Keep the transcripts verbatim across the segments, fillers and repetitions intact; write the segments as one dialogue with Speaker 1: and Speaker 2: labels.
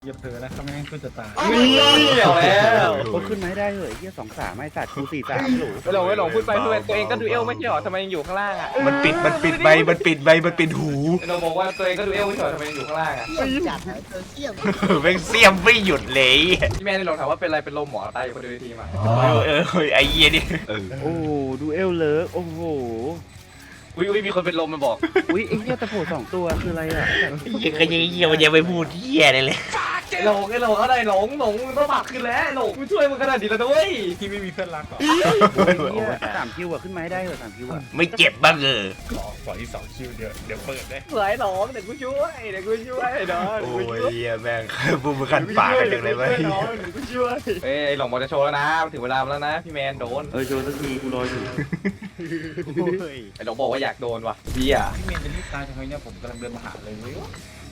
Speaker 1: อย่าเผลอนะเขาไม่งั้นกูจะตาย
Speaker 2: นี่เอาแล้ว
Speaker 3: เขาขึ้นมาให้ได้เหรอเฮียสองสามไม่สัตว์กูสี่สามหลู
Speaker 2: ไม่หลงไม่หลงพูดไปพูดไปตัวเองก็ดูเอลไม่ใช่หรอทำไมยังอยู่ข้างล่างอ่ะ
Speaker 4: มันปิดมันปิดใบมันปิดใบมันปิดหู
Speaker 2: เราบอกว่าตัวเองก็ดูเอลไม่ใช่หรอทำไมยังอยู่ข้างล่างอ่ะ
Speaker 5: เสี่ยมจัดนะเจอเสี่ยม
Speaker 4: แม่งเสียมไม่หยุดเลย
Speaker 2: พี่แม่ได้ลองถามว่าเป็นอะไรเป็นลมหมอตายอยู่คนเดียวในทีมอ่ะ
Speaker 4: เออเออไอ้เหี้ยนี่เออ
Speaker 3: โอ้โหดูเอลเลิกโอ้โห
Speaker 2: อุ้ยอุ้ยมีคนเป็นลมมาบอก
Speaker 3: อุ้ยไอ้เฮียตะโผสองตัวคืออะไรอ่ะ
Speaker 4: เหี้ยก็ยังเหี้ยมันยังไม่พูดเหี้ยเลยเลย
Speaker 2: ไอ้หลงไอ้หลงอะไรหลงหลงมึงต้องปากขึ้นแล้วหลงกูช่วยมึงขนาดนี้แล้วด้วย
Speaker 1: ที่ไม่มีเพื่อนรักหรอ
Speaker 3: เฮียสามคิวอะขึ้นมาให้ได้เหรอสามคิวอะ
Speaker 4: ไม่เจ็บบ้างเออ
Speaker 1: ขอขอที่สองคิวเดี๋ยวเดี๋ยวเปิดได้
Speaker 2: เหลือไอ้หลงเดี๋ยวกูช่วยเดี๋ยวกูช่วยเดี๋ยว
Speaker 4: โอ้
Speaker 2: กู
Speaker 4: ย
Speaker 2: ช่วย
Speaker 4: เหี้ยแม่งพูดมาขันปากกันจังเลยไหม
Speaker 2: เดี๋ยวกูช่วยเฮ้ยไอ้หลงบอกจะโชว์แล้วนะถึงเวลาแล้วนะพี่แมนโดน
Speaker 3: เออโชว์สักทีกูรออยู่
Speaker 2: ไอ้หลงบอกว่าอยากโดนว่ะเบี้ย
Speaker 1: พี่เมนจะรีบตายทำไมเนี่ยผมกำลังเดินมาหาเลยเว้ย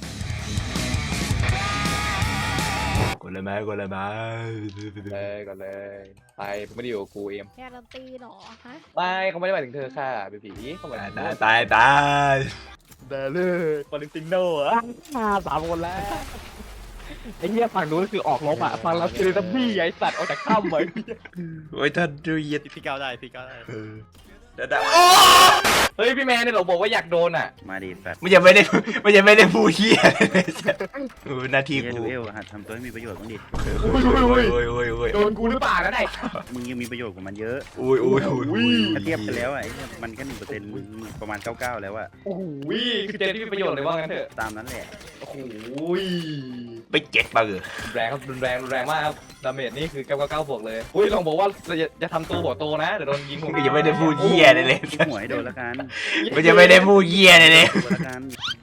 Speaker 4: กดเลยไหมกดเลยไหม
Speaker 2: เลยก่อนเลยไปมึงไม่ได้อยู่กับกูเอ็ม
Speaker 6: การันตีเหรอฮะ
Speaker 2: ไม่เขาไม่ได้หมายถึงเธอค่ะเบบีเขาหมายถึง
Speaker 4: ตายตายตาย
Speaker 2: เดเลยปาลิติโน่อะมาสามคนแล้วไอ้เหี้ยฝั่งนู้นคือออกลบอ่ะฝั่งเราคือตับบี้ไอ้สัตว์ออกจากถ้ำไว้
Speaker 4: โอ้ยท่านดูเหี้ย
Speaker 7: พี่ก้าวได้พี่ก้าวได้
Speaker 4: เออเดี๋ยว
Speaker 2: เฮ้ยพี่แมนเนี่ยเราบอกว่าอยากโดนอ่ะ
Speaker 3: มาดิสัตว์
Speaker 4: มันยังไม่ได้มันยังไม่ได้พูดเหี้ยเลยเออหน้าที่
Speaker 3: เฮีย
Speaker 4: กู
Speaker 3: ดูเอลหัดทำตัวให้มีประโยชน์บ้างดิ
Speaker 4: โอ้ยโอ้ยโอ้ยโอ้ยโอ้ย
Speaker 2: โดนกูหรือเปล่าก็ได้
Speaker 3: มึงยังมีประโยชน์กว่ามันเยอะ
Speaker 4: โอ้ยโอ้ยโอ้ย
Speaker 3: ถ้าเทียบกันแล้วอะไอ้เหี้ยมันแค่หนึ่งเปอร์เซ็นต์มึงประมาณเก้าเก้าแล้วอะ
Speaker 2: โอ้โหคือเจนที่มีประโยชน์เลยว่างั้นเถอะ
Speaker 3: ตามนั้นแหละ
Speaker 2: โอ้โห
Speaker 4: ไม่เจ็บบ้างเออ
Speaker 2: แรงครับรุนแรงรุนแรงมากครับดาเมจนี่คือเก้าเก้าเก้าบวกเลยอุ้ยลองบอกว่าจะจะทำตัวหัวโตนะเดี๋ยวโดนยิงหัว
Speaker 4: มันยังไม่ได้พูดเหี้ยเลยเลย
Speaker 3: ยิงหัวให้โดนละกัน
Speaker 4: มันยังไม่ได้พูดเหี้ยเลยเลย
Speaker 3: โดนละกัน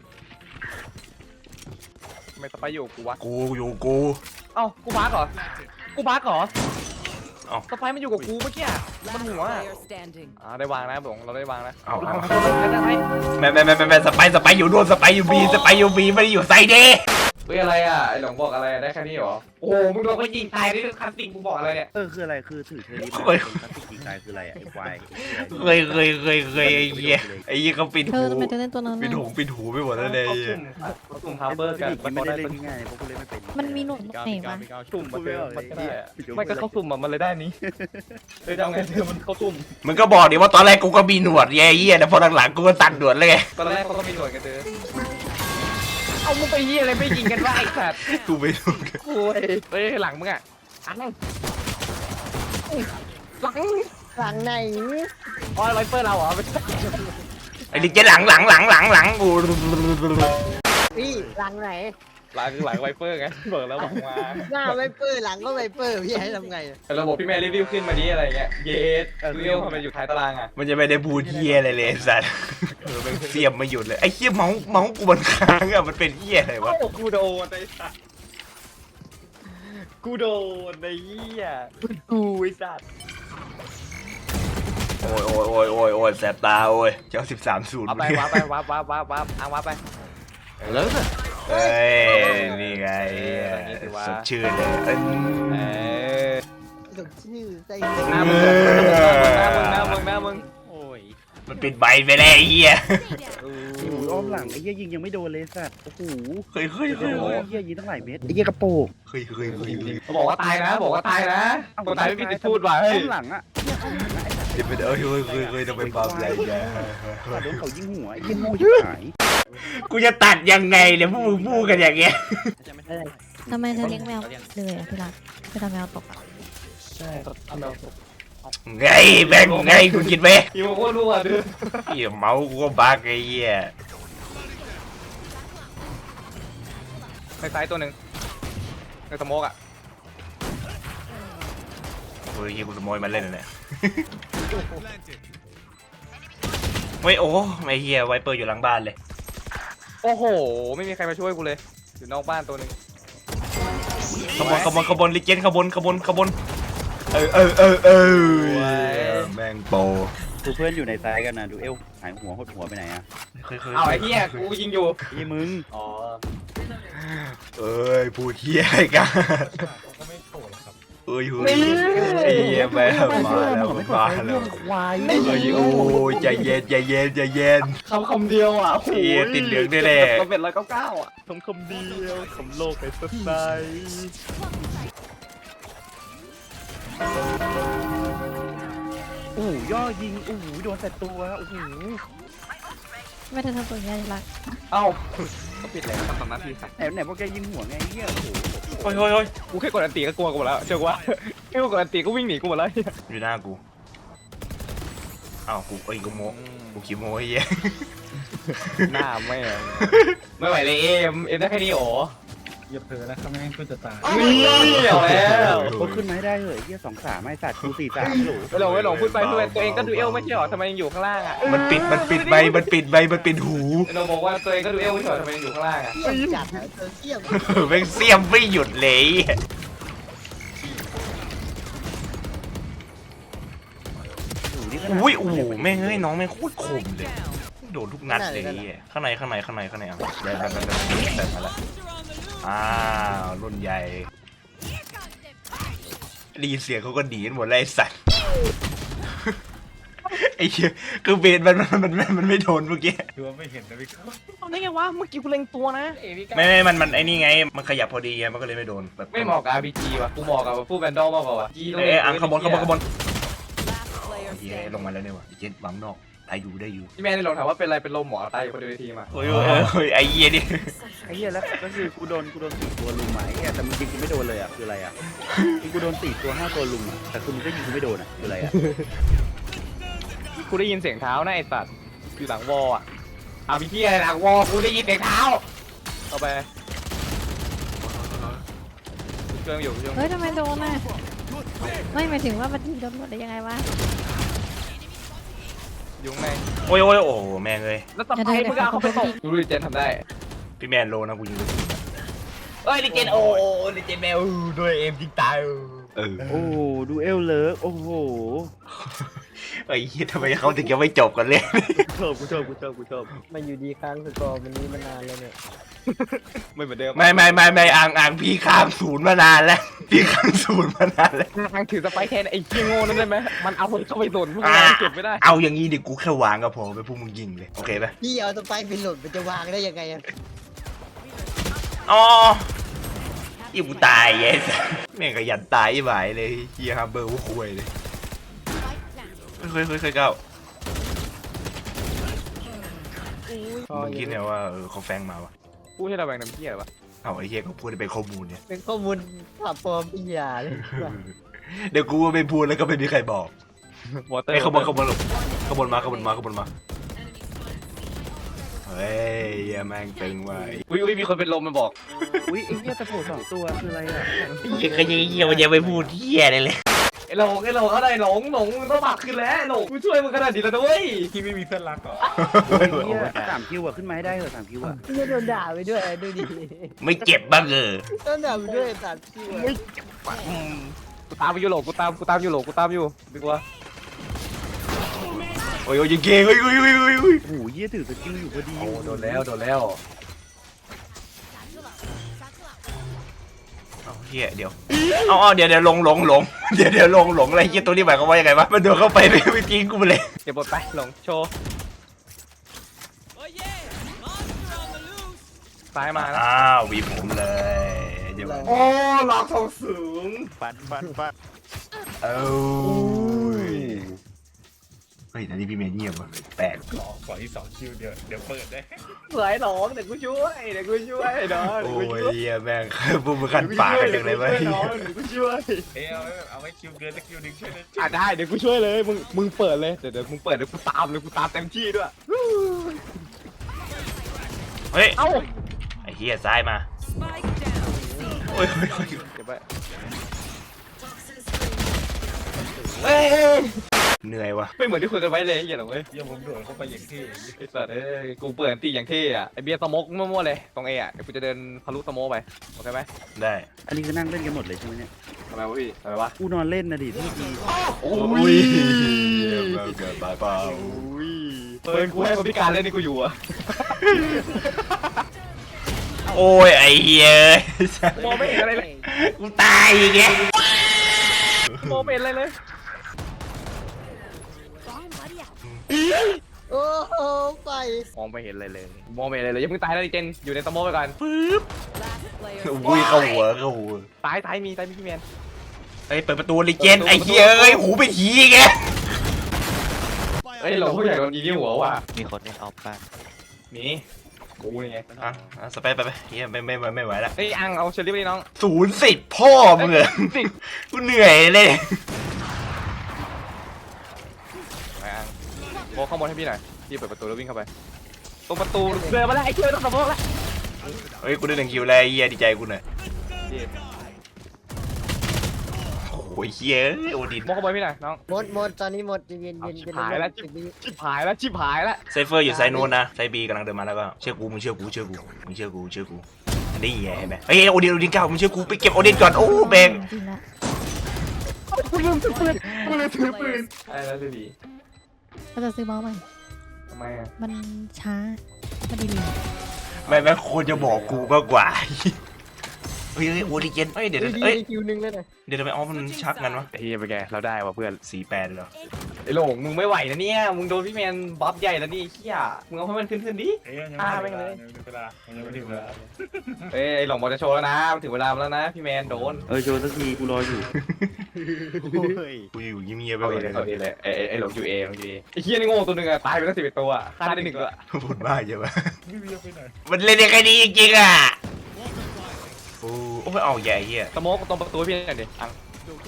Speaker 2: ไม่สไปอยู่กูวะ
Speaker 4: กูอยู่กู
Speaker 2: เอ้ากูบักเหรอกูบักเหรอ
Speaker 4: เอ้า
Speaker 2: สไปมันอยู่กับกูเมื่อกี้อะมันหัวอะ
Speaker 6: Player standing
Speaker 2: อ่าได้วางนะบงเราได้วางนะ
Speaker 4: เอาเอา
Speaker 2: ได้ไหม
Speaker 4: แม่แม่แม่แม่สไปสไปอยู่นู่นสไปอยู่บีสไปอยู่บีไม่ได้อยู่ไซเดย์
Speaker 2: เฮ้ยอะไรอ่ะไอ้หลงบอกอะไรได้แค่นี้เหรอโอ้โหมึงโดนเขายิงตายนี่คือคันติงกูบอกอะไรเนี่ย
Speaker 3: เออคืออะไรคือถือเทอร์นิสเป็นพลาสติกยิงตายคืออะไรอะไอ้ควาย
Speaker 4: เคยเคยเคยเคยไอ้เหี้ยไอ้เหี้ยเขาปิด
Speaker 6: เธ
Speaker 4: หู
Speaker 6: อทำไมเธอเล่นตัวนั้น
Speaker 4: ปิดหู
Speaker 6: น่ะ
Speaker 4: ปิดหูไปหมดแล้วเลย
Speaker 2: เขาสุ่มเขาสุ่มฮาร์เบอร์กัน
Speaker 3: มัน
Speaker 2: มัน
Speaker 3: ไม่
Speaker 2: ได้
Speaker 3: ได้
Speaker 2: เป็
Speaker 3: เล่
Speaker 2: น
Speaker 3: นง่ายๆเพราะกูเล่นไม่เป็น
Speaker 6: มันมีหนวด
Speaker 7: พี่ก้าว
Speaker 6: ไหน
Speaker 7: พี่ก้าว
Speaker 6: วะ
Speaker 7: พี่ก้าว
Speaker 2: สุ่มมาเจอมันก็ได้อะ
Speaker 3: พี่โจ๊ก
Speaker 2: ไม่ก็เขาสุ่มอะมันเลยได้นี้เฮ้ยจะเอาไงเธอมันเขาสุ่ม
Speaker 4: มันก็บอกดิว่าตอนแรกกูก็มีหนวดไงไอ้เหี้ยแต่พอหลังๆกูก็ตัดหนวดเลยไง
Speaker 2: ตอนแรกเขาก็มีหน่วยกันเจอเอามึงไปยี่อะไรไม่ยิงกันวะไอ้สัตว์
Speaker 4: กูไม่รู้
Speaker 2: โอ้ยเฮ้ยหลังมึงอ่ะอันหลัง
Speaker 5: หลังไหน
Speaker 2: อ๋อไวเปอร์เราเหรอไม่ใช่
Speaker 4: ไอ้ลิเจหลังหลังหลังหลังหลังกู
Speaker 5: พี่หลังไหน
Speaker 2: หลังคือหลังไวเปอร์ไงเบิกแล้วบอกมา
Speaker 5: หน้าไวเปอร์หลังก็ไวเปอร์พี่ให้ทำไง
Speaker 2: แต่ระบบพี่แม่รีวิวขึ้นมานี้อะไรเงี้ยเยสเรียวทำไมอยู่ท้ายตารางอ่ะ
Speaker 4: มันจะไม่ได้พูดเหี้ยอะไรเลยไอ้สัตว์เสียมไม่หยุดเลยไอ้เหี้ยเมาส์เมาส์กูมันค้างอะมันเป็นเหี้ยอะไรวะ
Speaker 2: โอ้กูโดนไอ้สัตว์กูโดนไอ้เหี้ยกูไอ้สัตว์
Speaker 4: โอ้ยโอ้ยโอ้ยโอ้ยโอ้ยแสบตาโอ้ยเจ้าสิบสามศูนย์
Speaker 2: เอาไปว้าไปว้าว้าว้าว้าเอาว้าไปเลิก
Speaker 4: เอ้ยนี่ไงสดชื่นเลยเอ้ย
Speaker 2: เออ
Speaker 5: สมชื่อใส่
Speaker 2: หน้ามึงหน้ามึงหน้ามึงหน้ามึง
Speaker 7: โอ้ย
Speaker 4: มันปิดใบไปแล้วไอ้เหี้ย
Speaker 3: โอ้โหอ้อมหลังไอ้เหี้ยยิงยังไม่โดนเลยสัตว์โอ้โห
Speaker 4: เคยเคยเคย
Speaker 3: โอ้ยเหี้ยยิงตั้งหลายเม็ดไอ้เหี้ยกระโปง
Speaker 4: เคยเคยเคยเคย
Speaker 2: บอกว่าตายนะบอกว่าตายนะคนตายไม่มีสิทธิ์พูดว่ะเฮ้
Speaker 3: อ้
Speaker 2: ย
Speaker 3: อมหลังอะเนี่ยอ้อมหลังอะไอ้สัตว์
Speaker 4: เดี๋ยวไปเอ้ยเคยเคยเคยต้องไปปรับอะไรเนี่ย
Speaker 3: โดนเขายิงหัวไอ้เหี้ยโง่ชิบหาย
Speaker 4: กูจะตัดยังไงเนี่ยพวกมึงพูดกันอย่างเงี้ย
Speaker 7: จะไม่ได้
Speaker 6: ทำไมเธอเลี้ยงแมวเลยอะที่รักเธอทำแมวตกอะ
Speaker 2: ใช่ทำเรา
Speaker 4: ไงแบงไงกูคิดไหม
Speaker 2: อีโมโคตรรั่วดื้อ
Speaker 4: เหี้ยเมาส์กูก็บักไอ้เหี้ย
Speaker 2: ในซ้ายตัวหนึ่งในสโมกอ่ะ
Speaker 4: โอ้ยเหี้ยกูขโมยมาเล่นเนี่ยไม่โอ้ไม่เหี้ยไวเปอร์อยู่หลังบ้านเลย
Speaker 2: โอ้โหไม่มีใครมาช่วยกูเลยอยู่นอกบ้านตัวหนึ่ง
Speaker 4: ขบวนขบวนขบวนลิเจนขบวนขบวนขบวนเออเออเออเออแม่งโป
Speaker 3: ดูเพื่อนอยู่ในซ้ายกันนะดูเอวหายหัวหดหัวไปไหนอะ
Speaker 4: เคยเคย
Speaker 2: เอาไอ้เหี้ยกูยิงอยู่
Speaker 3: ไอ้มึง
Speaker 2: อ๋อ
Speaker 4: เอ้ยพูดเหี้ยกัน
Speaker 1: ก็ไม่โผล่หรอกครับ
Speaker 4: เอ้ยเฮ้ยไอ้เหี้ยแม่งมาแล้วมันมาแล้ว
Speaker 5: ควาย
Speaker 4: เอ้ยโอ้ยใจเย็นใจเย็นใจเย็น
Speaker 2: คำคำเดียวอ่ะ
Speaker 4: เหี้ยติดเหลืองด้วยแหละ
Speaker 2: ก็เป็นร้อยเก้าเก้าอ่ะคำคำเดียวคำโลกให้สดใสโอ้ย่อยิงโอ้โหโดนแต่ตัวโอ้โห
Speaker 6: ไม่ทันทำตัวนี้ที่รัก
Speaker 2: เอ้าก็ปิดแล้วทำหน้าที่สัก
Speaker 3: ไหนไหนพวกแกยิงหัวไงเหี้ยโอ้โห
Speaker 4: เฮ้ยเฮ้ยเฮ้ย
Speaker 2: กูแค่กดอันตีก็กลัวกูหมดแล้วเชื่อว่าแค่กดอันตีก็วิ่งหนีกูหมดแล้ว
Speaker 4: อยู่หน้ากูอ้าวกูเอ้ยกูโมกูขี้โมไอ้เหี้ย
Speaker 2: หน้าแม่ไม่ไหวเลยเอ็มเอ็มได้แค่นี้โอ้
Speaker 1: อย่าเผลอนะครับไม่งั้นกูจะตาย
Speaker 2: นี่เอาแล้ว
Speaker 3: เขาขึ้นมาให้ได้เหอะเหี้ยสองสามไอ้สัตว์กูสี่สามหลู
Speaker 2: ไม่หลงไม่หลงพูดไปพูดไปตัวเองก็ดูเอลไม่ใช่หรอทำไมยังอยู่ข้างล่างอ่ะ
Speaker 4: มันปิดมันปิดใบมันปิดใบมันปิดหู
Speaker 2: เราบอกว่าตัวเองก็ดูเอลไม่ใช่หรอทำไมยังอยู่ข้างล่างอ่ะ
Speaker 5: เสี่ยมจัดอะเธอเสี่ยม
Speaker 4: แม่งเสียมไม่หยุดเลย
Speaker 3: หูนี่ก็น่า
Speaker 4: อุ้ยโอ้โหแม่งเอ้ยน้องแม่งโคตรคมเลยโดนทุกนัดเลยไอ้เหี้ยข้างในข้างในข้างในข้างในอ่ะได้ได้ได้ได้มาแล้วอ้าวรุ่นใหญ่ได้ยินเสียงเขาก็หนีกันหมดเลยไอ้สัตว์ไอ้เหี้ยคือเบนมันมันมันมันมันไม่โดนเมื่อกี้
Speaker 1: คือว่าไม่เห็นนะพี่ครับ
Speaker 2: เอาได้ไงวะเมื่อกี้กูเล็งตัวนะ
Speaker 4: ไม่ไม่มันมันไอ้นี่ไงมันขยับพอดีไงมันก็เลยไม่โดนแบบ
Speaker 2: ไม่เหมาะกับ อาร์ พี จี ว่ะกูเหมาะกับผู้แบนดอลมากกว่าว่ะ
Speaker 4: เอ้ยอังขบวนขบวนขบวนเหี้ยลงมาแล้วเนี่ยว่ะเจ็ดบังนอกตายอยู่ได้อยู่
Speaker 2: พี่แม่ได้ลองถามว่าเป็นอะไรเป็นลมหมอตายอยู่คนเดียวในทีมอ่ะ
Speaker 4: โอ้ยโอ้ยโอ้ยไอ้เหี้ยนี่
Speaker 3: ไอ้เหี้ยแล้วก็คือกูโดนกูโดนสี่ตัวลุมอ่ะไอ้เหี้ยแต่มึงยิงกูไม่โดนเลยอ่ะคืออะไรอ่ะคือกูโดนสี่ตัวห้าตัวลุมอ่ะแต่คือมึงก็ยิงกูไม่โดนอ่ะคืออะไรอ่ะ
Speaker 2: กูได้ยินเสียงเท้านะไอ้สัตว์อยู่หลังวอลอ่ะเอาพี่ที่อะไรหลังวอลกูได้ยินเสียงเท้าเอาไปเครื่องอยู่เครื่อง
Speaker 6: เฮ้ยทำไมโดนอ่ะไม่หมายถึงว่ามันโดนหมดได้ยังไงวะ
Speaker 2: อยู่ข้างใน
Speaker 4: โอ้ยโอ้ยโอ้โหแม่งเลย
Speaker 2: แล้วต่อไปมึงเอาเขาไปตกดูดิเจนทำได้
Speaker 4: พี่แมนโลนะกูยิงไปถูก
Speaker 2: เอ้ยดิเจนโอ้ดิเจนแมวด้วยเอ็มจริงตาย
Speaker 4: เออ
Speaker 3: โอ้โหดูเอลเลิกโอ้โห
Speaker 4: ไอ้เหี้ยทำไมเขาถึงยังไม่จบกันเลย
Speaker 3: ชอบกูชอบกูชอบกูชอบ
Speaker 5: มันอยู่ดีค้างสกอร์วันนี้มานานแล้วเนี่ย
Speaker 2: ไม่เหมือนเดิม
Speaker 4: ไม่ไม่ไม่ไม่อ่างอ่างพี่ข้ามศูนย์มานานแล้วพี่ข้ามศูนย์มานานแล้ว
Speaker 2: ทางถือสไปแทนไอ้เคียโง่นั่นได้ไหมมันเอาคนเข้าไปโดนพวก
Speaker 4: อ่า
Speaker 2: เราเก็บไม่ได้
Speaker 4: เอาอย่างนี้ดิกูแค่วางก็พอไปพวกมึงยิงเลยโอเคปะ
Speaker 5: พี่เอาสไปร์ไปหล่นมันจะวางได้ยังไงอะ
Speaker 4: อ๋ออีกูตายเย้แม่งขยันตายไหวเลยเฮียฮัมเบอร์กูคุยเลยเฮ้ยเฮ้ยเฮ้ยเก้ามึงคิดเนี่ยว่าเออเขาแฟงมาวะ
Speaker 2: พูดให้เราแบ่งน้ำเที่ยววะ
Speaker 4: เอาไอ้เฮียเขาพูดให้เป็นข้อมูลเนี่ย
Speaker 5: เป็นข้อมูลขับปลอมอีหยาเลย
Speaker 4: เดี๋ยวกูไม่พูดแล้วก็ไม่มีใครบอก
Speaker 2: วอเตอร์
Speaker 4: ไอ้ขบวนขบวนขบวนมาขบวนมาขบวนมาเฮ้ยเหี้ยแม่งตึงว่ะ
Speaker 2: อุ้ยอุ้ยมีคนเป็นลมมาบอก
Speaker 3: อุ้ยไอ้เหี้ยตะโผสองตัวคืออะไรอ่ะ
Speaker 4: เหี้ยก็ยังเหี้ยมันยังไม่พูดเหี้ยเลยเลย
Speaker 2: ไอ้หลงไอ้หลงอะไรหลงหลงมึงต้องปากขึ้นแล้วหลงกูช่วยมึงขนาดนี้แล้วด้วย
Speaker 1: ที่ไม่มีเพื่อนรักเหรอ
Speaker 3: เหี้ยสามคิวอ่ะขึ้นมาให้ได้เหรอสามคิวอ่ะ
Speaker 5: พี่โดนด่าไปด้วยดูดิ
Speaker 4: ไม่เจ็บบ้างเออ
Speaker 5: โดนด่าไปด้วยตัดพี่วะ
Speaker 2: กูตามไปอยู่หลงกูตามกูตามอยู่หลงกูตามอยู่ดีกว่า
Speaker 4: โอ้ยโอ้ยยิงเก่งโอ้ยโอ้ยโอ้ยโอ้ยโอ้ย
Speaker 3: โอ้โหเหี้ยถือสกิลอยู่พอดี
Speaker 2: โอ้โดนแล้วโดนแล้ว
Speaker 4: เอาเหี้ยเดี๋ยวเอาเอาเดี๋ยวเดี๋ยวลงลงลงเดี๋ยวเดี๋ยวลงหลงอะไรเหี้ยตัวนี้หมายความว่ายังไงวะมันโดนเข้าไปไม่ไม่จริงกูไปเลย
Speaker 2: เก็บบทไปหลงโชว์ซ้ายมานะ
Speaker 4: อ้าววีผมเลยเดี๋ยว
Speaker 2: โอ้หลอกทองสูง
Speaker 3: ปัดปัดปัด
Speaker 4: เอ้ยเฮ้ยแต่นี่พี่เมย์เงียบว่ะแปลก
Speaker 1: ขอขออีกสองคิวเดี๋ยวเดี๋ยวเปิดได้
Speaker 2: สวยหลงเดี๋ยวกูช่วยเดี๋ยวกูช่วยเนาะ
Speaker 4: โอ้ยเหี้ยแม่งพวกมึงขันปากกันจังเลยเว้ย
Speaker 2: เดี๋ยวกูช่วย
Speaker 1: เอ้ยเอาไว้เอาไว้คิวเกินสักคิวหนึ่งช่วยเลย
Speaker 2: อ่ะได้เดี๋ยวกูช่วยเลยมึงมึงเปิดเลยเดี๋ยวเดี๋ยวมึงเปิดเดี๋ยวกูตามเลยกูตามเต็มที่ด้วย
Speaker 4: เฮ้ย
Speaker 2: เอ้า
Speaker 4: ไอ้เหี้ยซ้ายมาโอ้ยโอ้ยโอ้ย
Speaker 2: เก็บไว้เอ้ย
Speaker 4: เหนื่อยว่ะ
Speaker 2: ไม่เหมือนที่คุยกันไว้เลยไอ้เหี้ยหรอเว้ย
Speaker 1: เยี่ยผมโดดเข้าไปอย่างที่
Speaker 2: ไอ้สัตว์เอ้ยกูเปิดตีอย่างเท่อะไอเบียร์สโมกมั่วๆเลยตรงเออะเดี๋ยวกูจะเดินทะลุสโมกไปโอเคไหม
Speaker 4: ได้
Speaker 3: อันนี้คือนั่งเล่นกันหมดเลยใช่ไหมเนี่ย
Speaker 2: ทำไมวะพี่ทำไมวะ
Speaker 3: กูนอนเล่นนะดิพี่ดี
Speaker 2: โอ้
Speaker 4: โอ้ยเกิดบายเปล่า
Speaker 2: ยเปิดกูให้คนพิการเล่นนี่กูอยู่อะ
Speaker 4: โอ้ยไอ้เหี้ย
Speaker 2: มองไม่เห็นอะไรเลย
Speaker 4: กูตายอีกแก
Speaker 2: โมเมนต์อะไรเลย
Speaker 5: โอ้โหไป
Speaker 2: มองไม่เห็นอะไรเลยโมเมนต์อะไรเลยยังเพิ่งตายแล้วดิเจนอยู่ในสโมไปก่อน
Speaker 4: ปึ๊บอุ้ยเข้าหัวเข้าหัว
Speaker 2: ตายตายมีตายมีพี่แมน
Speaker 4: เอ้ยเปิดประตูลิเจนไอ้เหี้ยเอ้ยหูเป็นหีแก
Speaker 2: เฮ้ยเราผู้ใหญ่โดนยิงที่หัวว่ะ
Speaker 7: มีคนเล่นออฟบ้าง
Speaker 2: มีกูนี่ไง
Speaker 4: อ่ะอ่ะสเปซไปไปเหี้ยไม่ไม่ไม่ไม่ไหวแล้ว
Speaker 2: เฮ้ยอังเอาเชอรี่ไปดิน้อง
Speaker 4: ศูนย์สิบพ่อมึงเหรอกูเหนื่อยเลย
Speaker 2: ไปอังโมเข้าบนให้พี่หน่อยพี่เปิดประตูแล้ววิ่งเข้าไปตรงประตูเดินมาแล้วไอ้เชี่ยต้องสโมแล้ว
Speaker 4: เฮ้ยกูได้หนึ่งคิวแล้วไอ้เหี้ยดีใจกูหน่อยโอ้ยเหี้ยโอดิน
Speaker 2: โมเข้าบนพี่หน่อยน้อง
Speaker 5: หมดหมดตอนนี้หมดเย็นเย็น
Speaker 2: เอา
Speaker 5: เย็น
Speaker 2: ชิบหายแล้วชิบชิบหายแล้วชิบหายแล้ว
Speaker 4: ไซเฟอร์อยู่ไซนู้นนะไซบีกำลังเดินมาแล้วก็เชื่อกูมึงเชื่อกูเชื่อกูมึงเชื่อกูเชื่อกูนี่ไงเห็นไหมเฮ้ยโอดินโอดินเก้ามึงเชื่อกูไปเก็บโอดินก่อนโอ้แบง
Speaker 6: จริงละ
Speaker 2: กูลืมถือปืนกูลืมถือปืนไอ้แล้วดี
Speaker 6: เราจะซื้อเมาส์ใหม่
Speaker 2: ทำไมอ่ะ
Speaker 6: มันช้ามันดีเลย
Speaker 4: ไม่ไม่ควรจะบอกกูมากกว่าเฮ้ยเฮ้ยโอดิเจนเฮ้ยเดี๋ยว
Speaker 5: เฮ้ยดี
Speaker 4: เฮ้ย
Speaker 5: คิวนึงเลยนะ
Speaker 4: เดี๋ยวทำไมอ๋อมันชักกันวะ
Speaker 2: ไอ้เฮียไปแกเราได้ว่ะเพื่อน
Speaker 4: สี่แปดเหรอ
Speaker 2: ไอ้โหลงมึงไม่ไหวนะเนี่ยมึงโดนพี่แมนบัฟใหญ่แล้วนี่เฮียมึงเอาให้มันขึ้นขึ้นดิ
Speaker 1: เอ้ยยัง
Speaker 2: อ่า
Speaker 1: ไม่
Speaker 2: ไม่
Speaker 1: ถึง
Speaker 2: เป็น
Speaker 1: เว
Speaker 2: ไร
Speaker 1: ลายังไม่ถึงเวลายังไม่ถึงเวลา
Speaker 2: เอ้ยไอ้หลงบอกจะโชว์แล้วนะมันถึงเวลาแล้วนะพี่แมนโดน
Speaker 3: เออโชว์สักทีกูรออยู่เฮ้ย
Speaker 4: กูอยู่เงียบๆไป
Speaker 2: เอา
Speaker 4: ก่
Speaker 2: เอ
Speaker 4: อน
Speaker 2: เลยเอาเอเลยไอ้ไอ้หลงอยู่เอหลงอยู่เอไอ้เฮียนี่โง่ตัวหนึงอะตายไปตั้งสิบเอ็ดตัวอะฆ่าได้หนึ่งตัว
Speaker 4: พูดมากใช่ปะ
Speaker 1: ไม่มีไปไหน
Speaker 4: มันเล่นได้แค่นี้จริงๆอ่ะโอ้โอ้ยเอาใหญ่เหี้ย
Speaker 2: สโมกตรงประตูพี่หน่อยดิอัง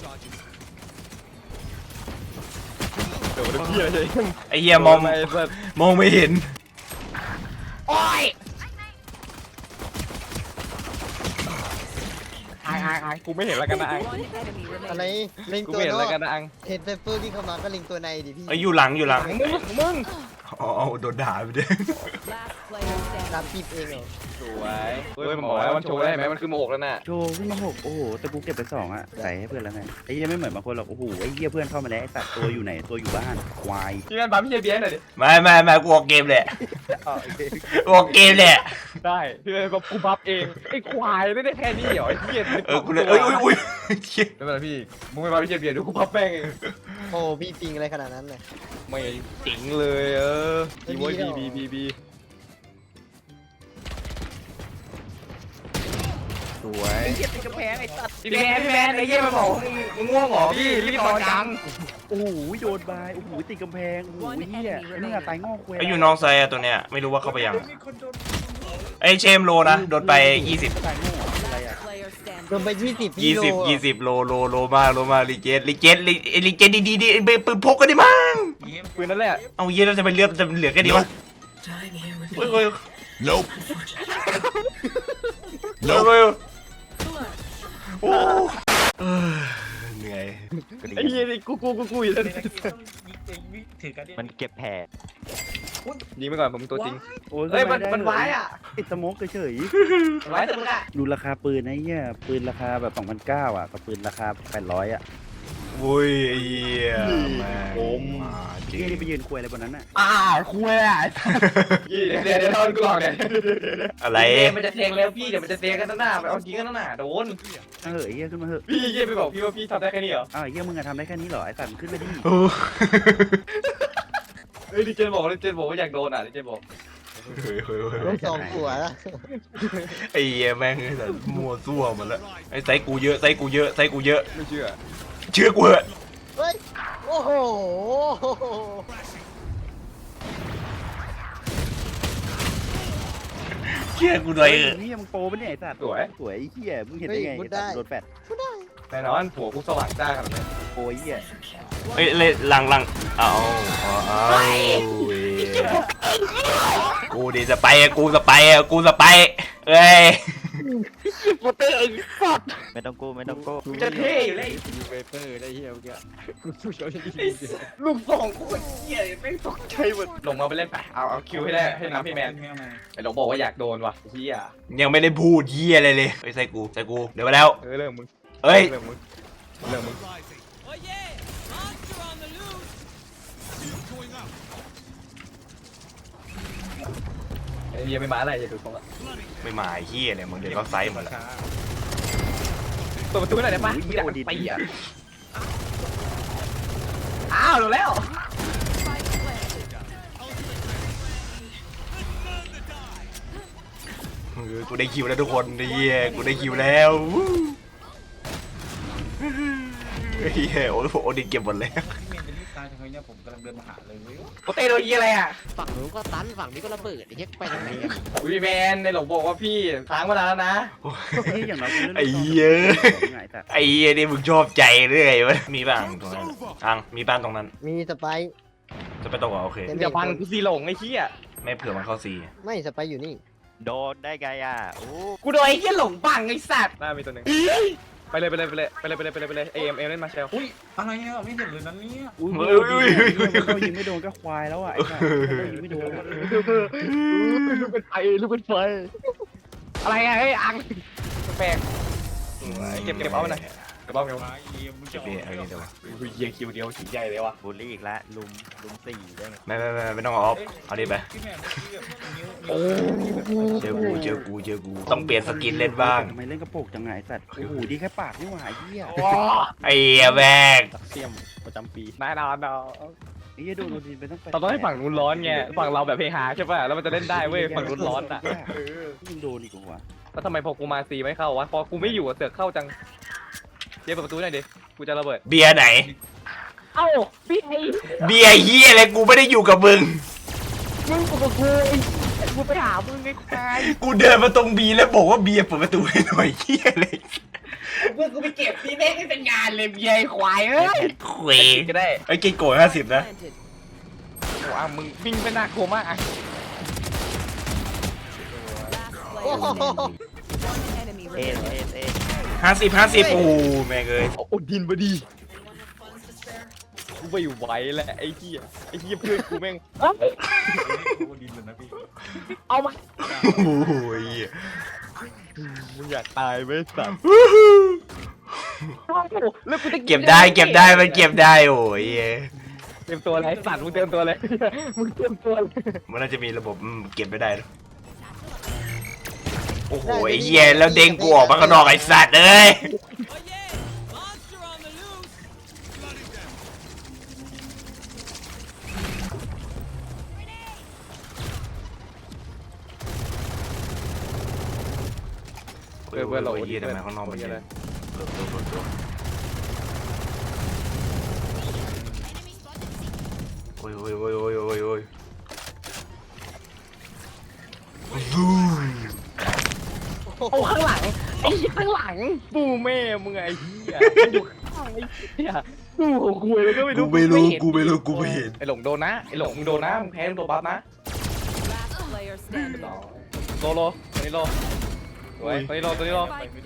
Speaker 2: โดนเฮียเลย
Speaker 4: ไอ้เหี้ยมอง
Speaker 2: ไอ้สัส
Speaker 4: มองไม่เห็น
Speaker 2: อังอังอังกูไม่เห็นแล้วกันนะอัง
Speaker 5: อะไรเล็ง
Speaker 2: กู
Speaker 5: ตัว
Speaker 2: ไม่เห็น
Speaker 5: น
Speaker 2: แล้ว
Speaker 5: อก
Speaker 2: กันนะอัง
Speaker 5: เห็นไซเฟอร์ที่เข้ามาก็เล็งตัวในดิพี่
Speaker 4: ไอ้ยอยู่หลังอยู่หลัง
Speaker 2: มึงมึง
Speaker 4: อ๋อโดนด่าไปด้วย
Speaker 5: ตามจีบเองเหรอ
Speaker 2: สวยเฮ้ยมันบอกว่ามันโชว์ได้ไหมมันคือโมกแล้วน่ะ
Speaker 3: โชว์ขึ้นมาหกโอ้โหแต่กูเก็บไปสองอ่ะใส่ให้เพื่อนแล้วไงไอ้เหี้ยไม่เหมือนบางคนหรอกโอ้โหไอ้เหี้ยเพื่อนเข้ามาแล้วไอ้ตัดตัวอยู่ไหนตัวอยู่บ้านควาย
Speaker 2: พี่แมนปั๊มพี่เจเบียร์หน่อยดิ
Speaker 4: ไม่ไม่ไม่กูออกเกมแหละกูออกเกมแหละ
Speaker 2: ได้พี่แมนปั๊มกูบัฟเองไอ้ควายไม่ได้แค่นี้เหรอไอ้เหี้ย
Speaker 4: เออกูเลยเอ้ยอุ้ยอุ้ยเหี้ย
Speaker 2: ไม่เป็นไรพี่มึงไม่ปั๊มพี่เจเบียร์ดูกูบัฟแม่งเอง
Speaker 5: โอ้พี่ปิงอะไรขนาดนั้นเลย
Speaker 2: ไม่จริงเลยเออบีโว้ยบีบีบีบี
Speaker 3: สวย
Speaker 2: พี่แมนพี่แมนไอ้เหี้ยมันบอกมึงมึงง่วงเหรอพี่รีบนอนจัง
Speaker 3: โอ้โหโดนบายโอ้โหติดกำแพงโอ้โหเหี้ยไอ้นี่อะตายงอกเว้ย
Speaker 4: ไอ้อยู่น้องไซอะตัวเนี้ยไม่รู้ว่าเข้าไปยังไอ้เชมโลนะโดนไปยี่สิบ
Speaker 3: ตายงอกอะไรอะ
Speaker 5: โดนไปยี่สิบ
Speaker 4: ยี่สิบยี่สิบโลโลโลมาโลมาลิเจนลิเจนลิลิเจนดีดีดีปืนพกกันดิมั้ง
Speaker 2: ปืนนั่นแหละ
Speaker 4: เอาเยี่ยแล้วจะไปเลือกจะเหลือแค่นี้วะเฮ้ยเฮ้ย nope nope โอ้เหนื่อย
Speaker 2: ไอ้เหี้ยนี่กูกูกูกูอยู่แล้ว
Speaker 1: ถือกันดิ
Speaker 7: มันเก็บแผล
Speaker 2: ยิงไปก่อนผมตัวจริง
Speaker 3: โอ้ย
Speaker 2: เฮ้ยมัน
Speaker 3: ได้
Speaker 2: มันไว้อะ
Speaker 3: ติดสโมกเฉย
Speaker 2: ไว้แต่มึงอะ
Speaker 3: ๆดูราคาปืนนะเหี้ยปืนราคาแบบสองพันเก้าอ่ะกับปืนราคาแปดร้อยอ่ะ
Speaker 4: โอ้ยไอ้เหี้ยแม่งมาจริ
Speaker 3: เหี้ย
Speaker 4: ง
Speaker 3: นี่ไปยืนคุยอะไรบนนั้นอ่ะ
Speaker 2: อ่าคุยอ่ะเดี๋ยวเดี๋ยวเดี๋ยวทอนกูหลอกเนี่ย
Speaker 4: อะไร
Speaker 2: มันจะเทงแล้วพี่เดี๋ยวมันจะเทงกันตั้งหน้าไปเอาจริงกันตั้งหน้าโดน
Speaker 3: เออไอ้เหี้ยขึ้นมาเถอะ
Speaker 2: พี่เยี่ยไปบอกพี่ว่าพี่ทำได้แค่นี้เหรอ
Speaker 3: อ้าวไอ้เหี้ยมึงอะทำได้แค่นี้เหรอไอ้สัตว์มึงขึ้นไปดิ
Speaker 4: โอ้
Speaker 2: เฮ้ยดิเจนบอกดิเจนบอกว่าอยากโดนอ่ะดิเจนบอก
Speaker 4: เฮ้ยเฮ้ยเฮ้ย
Speaker 5: ต้องสองหัวแล้ว
Speaker 4: ไอ้เหี้ยแม่งแต่มัวซั่วหมดแล้วไอ้ไซกูเยอะไซกูเยอะไซกูเยอะ
Speaker 2: ไม่เชื่อ
Speaker 4: เชื่อกูเหอะ
Speaker 5: เฮ้ยโอ้โห
Speaker 4: เชื่อกูหน่อย
Speaker 3: เฮ้ย
Speaker 4: เถอะ
Speaker 3: นี่มึงโปรปะเนี่ยไอ้สัตว์
Speaker 2: สวย
Speaker 3: สวยไอ้เหี้ยมึงเห็นได้ไงไอ้สัตว์โดนแปด
Speaker 2: แน่นอนหัวกูสว่างจ้าขนาดนี้
Speaker 3: โปรไอ้เหี้ย
Speaker 4: เอ้ยเลยหลังหลังเอาเอาเอาเว้ยกูดิสไปอะกูสไปอะกูสไปเอ้ย
Speaker 2: โคตรเตอร์สัตว์
Speaker 7: ไม่ต้องกู้ไม่ต้องกู้
Speaker 2: กูจะเท่อยู่เลย
Speaker 5: ยูเวเปอร์ได้เฮียเมื่อกี้กูสู้เขาได้ดี
Speaker 2: ลูกสองกูเหี้ยแม่งตกใจหมดลงมาไปเล่นไปเอาเอาคิวให้ได้ให้น้ำพี่แมนไอ้หลงบอกว่าอยากโดนว่ะเฮีย
Speaker 4: ยังไม่ได้พูดเหี้ยอะไรเลยเฮ้ยไซกูไซกูเดี๋ยวมาแล้ว
Speaker 2: เออเรื่องมึง
Speaker 4: เอ้ย
Speaker 2: เรื่องมึงเรื่องมึงไอ้เฮียไม่มาอะไรอย่าดูตรงอ่ะ
Speaker 4: ไม่มาไอ้เหี้ยเลยมึงเดี๋ยวเขาไซส์หมดแล้ว
Speaker 2: เปิดประตูหน่อยได้ปะ
Speaker 3: โอ้ย
Speaker 2: ไม่
Speaker 3: เหี้
Speaker 2: อย ยาก
Speaker 3: โอดี
Speaker 2: ตีอ่ะอ้าวโดนแล้ว
Speaker 4: เออกูได้คิวแล้วทุกคนไอ้เหี้ยกูได้คิวแล้วไอ้เหี้ยโอ้โหโอดินเก็บหมดแล้ว
Speaker 1: พี่เมย์เป็นรีบตายทำไมเนี่ยผมกำลังเดินมาหาเลยเว้ย
Speaker 2: โอเต้โดนยี่อะไรอ่ะ
Speaker 5: ฝั่งนู้นก็ตันฝั่งนี้ก็ระเบิดไอ้เหี้ยไปทางไหนอะ
Speaker 2: วีแมนในหลงบอกว่าพี่ค้างมานานแล้วนะ
Speaker 3: ไอ้เหี้ยอย่างน้อยกูเล่น
Speaker 4: ไอ้เหี้ย
Speaker 3: ไงแต่
Speaker 4: ไอ้เหี้ยนี่มึงชอบใจเรื่อยวะมีบ้างตรงนั้นอังมีบ้านตรงนั้น
Speaker 5: มีสไปร์
Speaker 4: จะไปตรงเหรอโอเค
Speaker 2: เดี๋ยวฟังกูซีหลงไอ้เหี้ย
Speaker 4: ไม่เผื่อมันเข้าซี
Speaker 5: ไม่สไปร์อยู่นี่
Speaker 7: โดนได้ไงอ่ะโอ้
Speaker 2: กูโดนไอ้เหี้ยหลงบังไอ้สัตว์น่ามีตัวหนึ่งไปเลยไปเลยไปเลยไปเลยไปเลยไปเลยไปเลยเอ็มเอ็มเล่นมาเชล
Speaker 1: อุ้ยอะไรเนี่ยไม่เห็นเลยนั้นเนี่ย
Speaker 3: อุ้ยเขายิงไม่โดนก็ควายแล้วอ่ะไอ้เนี่ยเขายิงไม่โดน
Speaker 2: ลูกเป็นไฟลูกเป็นไฟอะไรอ่ะเฮ้ยอังแปลกเก็บเก็บเอาไปหน่อยเก็บเอาเก็บเอา
Speaker 1: ไอ้เอ็มมึงจะ
Speaker 4: เก็บเองเอาเองเดี๋ยววะ
Speaker 2: เยียคิวเดียวสีใหญ่เลยวะ
Speaker 7: บูลลี่อีกแล้วลุมลุมสี่ได้ไง
Speaker 4: ไม่ไม่ไม่ไม่ต้องเอาออฟเอาดิไป
Speaker 1: พี่แม่เมื่อกี้แบบนิ้ว
Speaker 2: โอ้
Speaker 4: เจอกูเจอกูเจอกูต้องเปลี่ยนสกินเล่นบ้าง
Speaker 3: ทำไมเล่นกระโปรงจังไงสัตว์โอ้โหดีแค่ปากนี่หว่าไอ้เหี้ย
Speaker 4: ไอ้เหี้ยแม่ง
Speaker 7: เสียมประจำปี
Speaker 2: นายนอนเนาะ
Speaker 3: ไอ้เหี้ยโดนโดนทีไปต้องไป
Speaker 2: เราต้องให้ฝั่งนู้นร้อนไงฝั่งเราแบบเฮฮาใช่ป่ะแล้วมันจะเล่นได้เว้ยฝั่งนู้นร้อนอ่ะ
Speaker 3: ยิงโดนอีกหัว
Speaker 2: แล้วทำไมพอกูมาซีไม่เข้าวะพอกูไม่อยู่อะเสือกเข้าจังเจ๊เปิดประตูหน่อยดิกูจะระเบิด
Speaker 4: เบียร์ไหน
Speaker 2: เอ้าพี่ไอ้
Speaker 4: เบียร์เหี้ยอะไรกูไม่ได้อยู่กับมึง
Speaker 2: มึงกับกูไอ้กูไปหามึงไอ้ควาย
Speaker 4: กูเดินมาตรงบีแล้วบอกว่าเบียร์เปิดประตูให้หน่อยเหี้ยเลย
Speaker 2: เพื่อนกูไปเก็บพี่เล่นให้เป็นงานเลยเบียร์ไอ้ควายเอ้ย
Speaker 4: คุย
Speaker 2: ก็ได้
Speaker 4: ไอ้เกย์โกรธห้าสิบนะ
Speaker 2: โอ้อ่ะมึงวิ่งไปหน้าโคม่าอ่ะ
Speaker 5: โอ้โห
Speaker 7: เอ็นเอ็นเอ็น
Speaker 4: ห้าสิบห้าสิบโอ้แม่งเอ้ย
Speaker 2: โอ้ดินบดีกูไม่ไหวแล้วไอ้เหี้ยไอ้เหี้ยเพื่อนกูแม่ง
Speaker 1: โอ้ดินเลยนะพี่
Speaker 2: เอามา
Speaker 4: โอ้โหเหี้ย
Speaker 2: มึงอยากตายไหมสัตว์แล้วกูจะ
Speaker 4: เก็บได้เก็บได้มันเก็บได้โอ้ยเหี้ย
Speaker 2: เตรียมตัวอะไรสัตว์มึงเตรียมตัวเลยมึงเตรียมตัวเลย
Speaker 4: มันน่าจะมีระบบอืมเก็บไม่ได้หรอกโอ้โหไอ้เหี้ยแล้วเด้งกูออกมาข้างนอกไอ้สัตว์เอ้ยเพื่อนเพื่อนเราเหี้ยทำไมข้างนอกมันเยอะเปิดตัวเปิดตัวโอ้ยโอ้ยโอ้ยโอ้ยโอ้ยโอ้ยซู
Speaker 2: โอ้ข้างหลังไอ้ข้างหลังปูแม่มึงไอ้เหี้ยอยู่ข้างไอ้เหี้ยกูของคุยเลยก็ไม่
Speaker 4: กู
Speaker 2: รู้
Speaker 4: ไม่รู้กูไม่รู้กูไม่เห็น
Speaker 2: ไอ้หลงโดนนะไอ้หลงมึงโดนนะมึงแพ้ตัวบัฟนะโลโลตัวนี้โลตัวนี้โลตัวนี้โล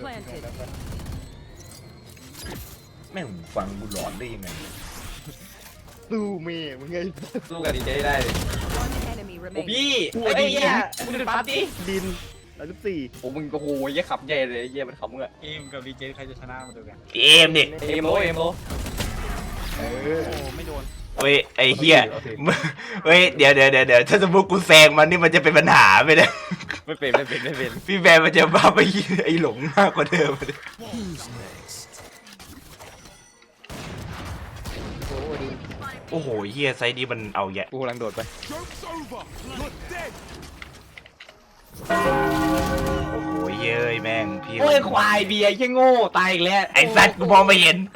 Speaker 4: แม่งฟังกูหลอนได้ยังไง
Speaker 2: สู้แม่มึงไงสู้กับดีเจได้โอ้พี่
Speaker 3: โอ้
Speaker 2: ไอ้
Speaker 3: ย
Speaker 2: เหี้ยมึงเป็นบัฟดิ
Speaker 3: ดินร้อยสิบสี่
Speaker 2: โอ้มึงโอ้โหยี่ขับใหญ่เลยไอ้เหี้ยมันขับมึงอะ
Speaker 1: เอ็มกับดีเจใครจะชนะมาดูกัน
Speaker 4: เอมดิ
Speaker 2: เอ็มโลเอ็มโล
Speaker 3: โอ้ไม่โดน
Speaker 4: เว้ยไอ้เหี้ยเว้ยเดี๋ยวเดี๋ยวเดี๋ยวเดี๋ยวถ้าสมมติกูแซงมันนี่มันจะเป็นปัญหาไปนะ
Speaker 2: ไม่เป็นไม่เป็นไม่เป็น
Speaker 4: พี่แบนมันจะบ้าไปไอ้หลงมากกว่าเดิมเลย
Speaker 5: โอ้โหดิน
Speaker 4: โอ้โหเหี้ยไซส์นี้มันเอาแยะ
Speaker 2: กูกำลังโดดไป
Speaker 4: โอ้โหเย้ยแม่งพี่
Speaker 2: โอ้ยควายเบียร์แค่โง่ตายอีกแล้ว
Speaker 4: ไอ้สัตว์กูมองไม่เห็น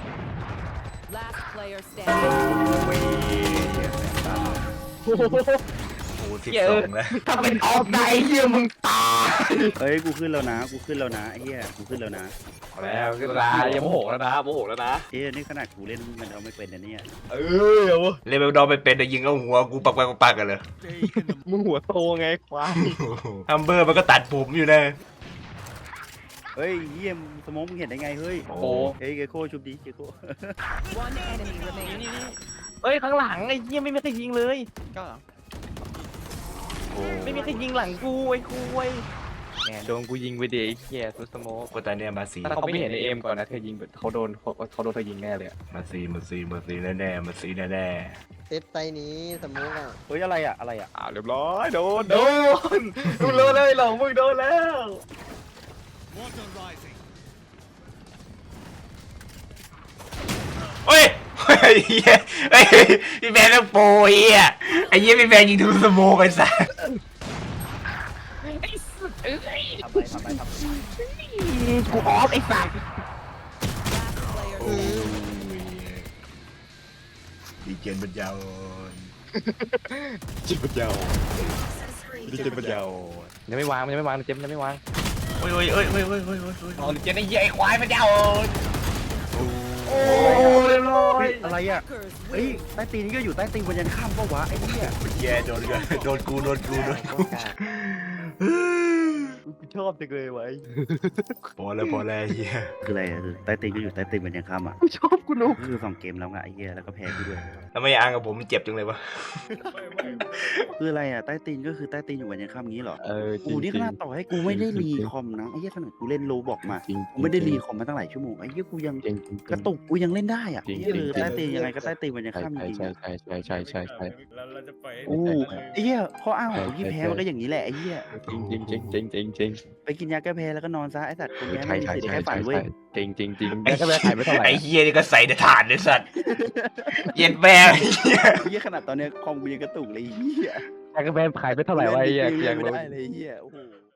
Speaker 2: โอ้โห
Speaker 4: โอ้สิบ
Speaker 2: เหี้ย
Speaker 4: ส
Speaker 2: เอ
Speaker 4: อ
Speaker 2: อง
Speaker 4: แล้ว
Speaker 2: ถ้าเป็นออฟไนท์เหี้ยมึงตาย
Speaker 3: เฮ้ยกูขึ้นแล้วนะกูขึ้นแล้วนะไอ้เหี้ยกูขึ้นแล้วนะ
Speaker 2: แล้วก็ลาอย่าโมโหแล้วนะโมโหแล้วนะ
Speaker 3: เอ้ยนี่ขนาดกูเล่นมันเอาไม่เป็นนะเนี่ย
Speaker 2: เออเอาวะ
Speaker 4: เลยไปดอไปเป็นแต่ยิงเอาหัวกูปักปักปักปักกันเลย
Speaker 2: มึงหัวโตไงควาย
Speaker 4: ฮัมเบอร์มันก็ตัดผมอยู่นะ
Speaker 3: เฮ้ยเยี่ยมสมองมึงเห็นได้ไงเฮ้ย
Speaker 4: โอ้
Speaker 2: โอ้
Speaker 3: เฮ้ยเกโคชุบดีเกโค
Speaker 2: เอ้ยข้างหลังไอ้เหี้ยไม่มีใครยิงเลย
Speaker 7: ก็
Speaker 4: โอ้
Speaker 2: ไม่มีใครยิงหลังกูไอ้คุยแหมโดนกูยิงไปเด็กเหี้ยซุสโมก
Speaker 4: ก็ตอนเนี้ยมาซี
Speaker 2: ถ้าเขาไม่เห็นในเอ็มก่อนนะเธอยิงเขาโดนเขาเขาโดนเธอยิงแน่เลย
Speaker 4: มาซีมาซีมาซีแน่แน่มาซีแน่แน่
Speaker 5: เซฟไตนี้สมมุติอ่ะ
Speaker 3: เฮ้ยอะไรอ่ะอะไรอ่ะ
Speaker 2: อ้าวเรียบร้อยโดนโดนมึงโดนเลยหลงมึงโดนแล้ว
Speaker 4: เฮ้ยอ้เหี้ยไอ้พี่แมนต้องโปรไอ้เหี้ยไอ้เหี้ยพี่แมนยิงทะลุสโมกไปซะ
Speaker 7: ทำไปทำไปทำไป
Speaker 2: กูออฟไอ้สัตว์
Speaker 4: โอ้ยดีเจนปัญญาอ่อนจิตปัญญาอ่อนดีเจนปัญญาอ่อน
Speaker 2: ยังไม่วางมันยังไม่วางเจมส์ยังไม่วาง
Speaker 4: โอ้ยโอ้ยโอ้ยโอ้ยโอ้ยโอ้ยโอ้ยโอ้ย
Speaker 2: เอาเจมส์ไอ้เหี้ยไอ้ควายมันจะเอาโอ้เรียบร้อย
Speaker 3: อะไรอ่ะเฮ้ยใต้ตีนนี่ก็อยู่ใต้ตีนวันยันข้ามปะวะไอ้เหี้ย
Speaker 4: แย่โดนกันโดนกูโดนกูโดนกู
Speaker 7: กูชอบจังเลยไว้
Speaker 4: พอแล้วพอแล้วไอ้เหี้ย
Speaker 3: คืออะไรอะคือใต้ตีนก็อยู่ใต้ตีนวันยันข้ามอ่ะ
Speaker 2: กูชอบกูนุก
Speaker 3: ก็คือสองเกมแล้วไงไอ้เหี้ยแล้วก็แพ้กูด้วย
Speaker 4: ทำไมอ้างกับผมมันเจ็บจังเลยวะ
Speaker 3: คืออะไรอ่ะใต้ตีนก็คือใต้ตีนอยู่วันยันข้ามงี้เหรอ
Speaker 2: เออ
Speaker 3: กูนี่ขนาดต่อให้กูไม่ได้รีคอมนะไอ้เหี้ยขนาดกูเล่นโลบอกมา
Speaker 2: จริง
Speaker 3: กูไม่ได้รีคอมมาตั้งหลายชั่วโมงไอ้เหี้ยกูยัง
Speaker 2: จริง
Speaker 3: กระตุกกูยังเล่นได้อ่ะ
Speaker 2: จริง
Speaker 3: ไอ้เหี้ย
Speaker 2: จริง
Speaker 3: คือใต้ตีนยังไงก็ใต้ตีนวันยัน
Speaker 2: ใช่
Speaker 3: ข้ามจริง
Speaker 2: ใช่
Speaker 3: ๆอะ
Speaker 2: ใช่ใช่ใช่ใช่ใช่
Speaker 1: แล้วเราจะปล่อยให้
Speaker 3: โอ้ไอ้เหี้ยข้ออ้างของคนที่แพ้มันก็อย่างนี้แหละไอ้เหี้ย
Speaker 2: จริงจริงจริงจริงจริงจริง
Speaker 3: ไปกินยาแก้แพ้แล้วก็นอนซะไอ้สัตว์คนแพ้
Speaker 2: ใช่
Speaker 3: ไม่มี
Speaker 2: ใช่
Speaker 3: สิทธิ์
Speaker 2: ใช่
Speaker 3: แค่ฝั
Speaker 2: ใช่
Speaker 3: นเว้ย
Speaker 2: จริงจริงจริงแล้วก็ไม่ขายไม่เท่าไหร่
Speaker 4: ไอ้เหี้ยนี่ก็ใส่แต่ถ่านเลยสัตว์เย็นแม่ไอ้เหี้ย
Speaker 3: ไอ้เหี้ยขนาดตอนเนี้ยคอมกูยังกระตุกเลยไอ้เหี้ย
Speaker 2: แล้วก็ไม่ขายไม่เท่าไหร่วะไอ้เหี้ย
Speaker 3: ล่น
Speaker 2: เสียง
Speaker 3: ไม่
Speaker 2: รู้
Speaker 3: ได้เลยไอ้เหี้ยโอ้โห